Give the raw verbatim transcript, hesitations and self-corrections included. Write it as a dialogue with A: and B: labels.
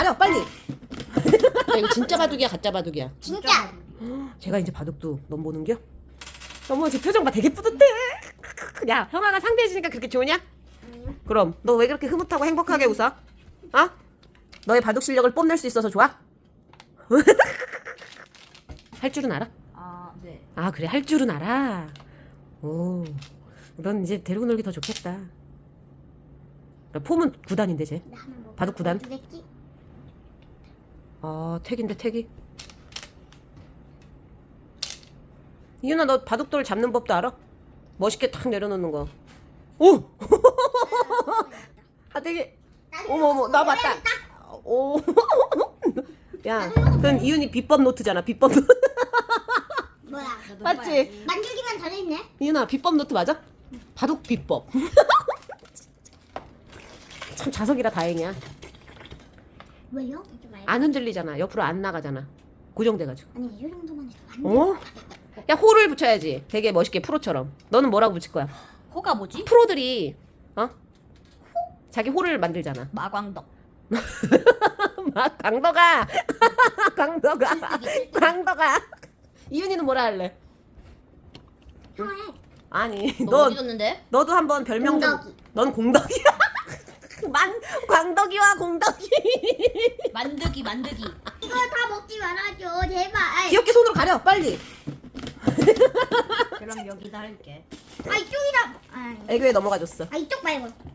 A: 가요 빨리. 야, 이거 진짜 바둑이야 가짜 바둑이야?
B: 진짜.
A: 제가 이제 바둑도 넘보는겨? 어머 제 표정 봐 되게 뿌듯해. 야 형아가 상대해주니까 그렇게 좋으냐?
B: 아니요.
A: 그럼 너 왜 그렇게 흐뭇하고 행복하게 웃어? 어? 너의 바둑 실력을 뽐낼 수 있어서 좋아? 할 줄은 알아?
C: 아, 네.
A: 아 그래 할 줄은 알아. 오, 넌 이제 데리고 놀기 더 좋겠다. 폼은 구 단인데 쟤.
B: 나 하나 먹어.
A: 바둑 구단?
B: 두겠지?
A: 아 택인데 택이. 이윤아 너 바둑돌 잡는 법도 알아? 멋있게 탁 내려놓는 거. 오! 아 되게 어머 어머 나 봤다. 오. 야, 그건 이윤이 비법 노트잖아 비법 노트.
B: 뭐야?
A: 맞지?
B: 만들기만 잘했네.
A: 이윤아 비법 노트 맞아? 바둑 비법. 참 자석이라 다행이야.
B: 왜요? 좀 알고.
A: 안 흔들리잖아. 옆으로 안 나가잖아. 고정돼가지고.
B: 아니 이 정도만 해도 안 돼.
A: 어? 야 호를 붙여야지. 되게 멋있게 프로처럼. 너는 뭐라고 붙일 거야?
C: 호가 뭐지?
A: 프로들이 어? 자기 호를 만들잖아.
C: 마광덕.
A: 막 강덕아. 강덕아. 강덕아. 이윤이는 뭐라 할래?
B: 형해.
A: 아니
C: 너
A: 너
C: 어디 뒀는데?
A: 너도 한번 별명 좀.
B: 공덕이.
A: 넌 공덕이야. 만 광덕이와 공덕이.
C: 만드기, 만드기.
B: 이거 다 먹지 말아줘 제발.
A: 귀엽게 손으로 가려 빨리.
C: 그럼 여기다 할게.
B: 아 이쪽이다. 아,
A: 애교에 넘어가줬어.
B: 아 이쪽 말고.